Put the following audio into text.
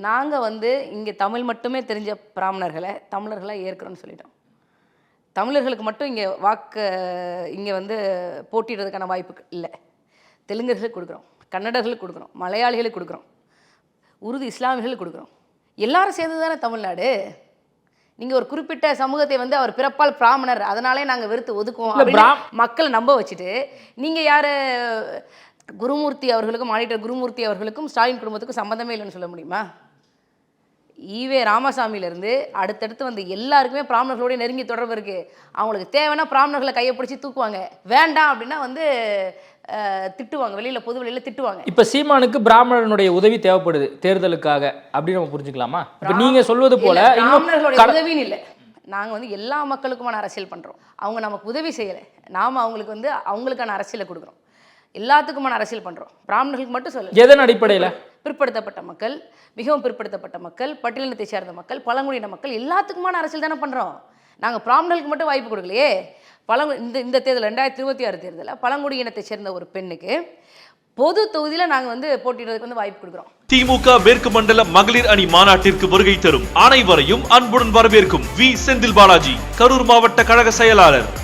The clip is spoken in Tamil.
நாங்கள் வந்து இங்கே தமிழ் மட்டுமே தெரிஞ்ச பிராமணர்களை தமிழர்களாக ஏற்கிறோன்னு சொல்லிட்டோம். தமிழர்களுக்கு மட்டும் இங்கே வந்து போட்டிடுறதுக்கான வாய்ப்பு இல்லை. தெலுங்கர்களுக்கு கொடுக்குறோம், கன்னடர்களுக்கு கொடுக்குறோம், மலையாளிகளுக்கு கொடுக்குறோம், உருது இஸ்லாமியர்களுக்கு கொடுக்குறோம். எல்லாரும் சேர்ந்து தானே தமிழ்நாடு. நீங்கள் ஒரு குறிப்பிட்ட சமூகத்தை வந்து அவர் பிறப்பால் பிராமணர் அதனாலே நாங்கள் வெறுத்து ஒதுக்குவோம் அப்படின்னு மக்களை நம்ப வச்சுட்டு நீங்கள் யார் குருமூர்த்தி அவர்களுக்கும் ஆடிட்டர் குருமூர்த்தி அவர்களுக்கும் ஸ்டாலின் குடும்பத்துக்கும் சம்மந்தமே இல்லைன்னு சொல்ல முடியுமா? ஈவே ராமசாமியிலேருந்து அடுத்தடுத்து வந்து எல்லாருக்குமே பிராமணர்களோட நெருங்கி தொடர்பு இருக்குது. அவங்களுக்கு தேவைன்னா பிராமணர்களை கையை பிடிச்சி தூக்குவாங்க, வேண்டாம் அப்படின்னா வந்து திட்டுவாங்க, வெளியில் பொது வெளியில் திட்டுவாங்க. இப்போ சீமானுக்கு பிராமணனுடைய உதவி தேவைப்படுது தேர்தலுக்காக அப்படின்னு நம்ம புரிஞ்சுக்கலாமா? இப்போ நீங்கள் சொல்வது போல பிராமணர்களுடைய உதவின்னு இல்லை, நாங்கள் வந்து எல்லா மக்களுக்குமான அரசியல் பண்ணுறோம். அவங்க நமக்கு உதவி செய்யலை, நாம் அவங்களுக்கு வந்து அவங்களுக்கான அரசியலை கொடுக்குறோம். எல்லாத்துக்குமான அரசியல் பண்ணுறோம். பிராமணர்களுக்கு மட்டும் சொல்ல, எதன் அடிப்படையில்? பிற்படுத்தப்பட்ட மக்கள், மிகவும் பிற்படுத்தப்பட்ட மக்கள், பட்டியலினத்தை சேர்ந்த மக்கள், பழங்குடியின மக்கள் எல்லாத்துக்குமான அரசியல் தானே பண்ணுறோம். நாங்கள் பிராமணர்களுக்கு மட்டும் வாய்ப்பு கொடுக்கலையே. இந்த தேர்தல் 2026 தேர்தலில் பழங்குடியினத்தை சேர்ந்த ஒரு பெண்ணுக்கு பொது தொகுதியில் நாங்கள் வந்து போட்டியிடுறதுக்கு வந்து வாய்ப்பு கொடுக்குறோம். திமுக மேற்கு மண்டல மகளிர் அணி மாநாட்டிற்கு வருகை தரும் அனைவரையும் அன்புடன் வரவேற்கும் வி செந்தில் பாலாஜி, கரூர் மாவட்ட கழக செயலாளர்.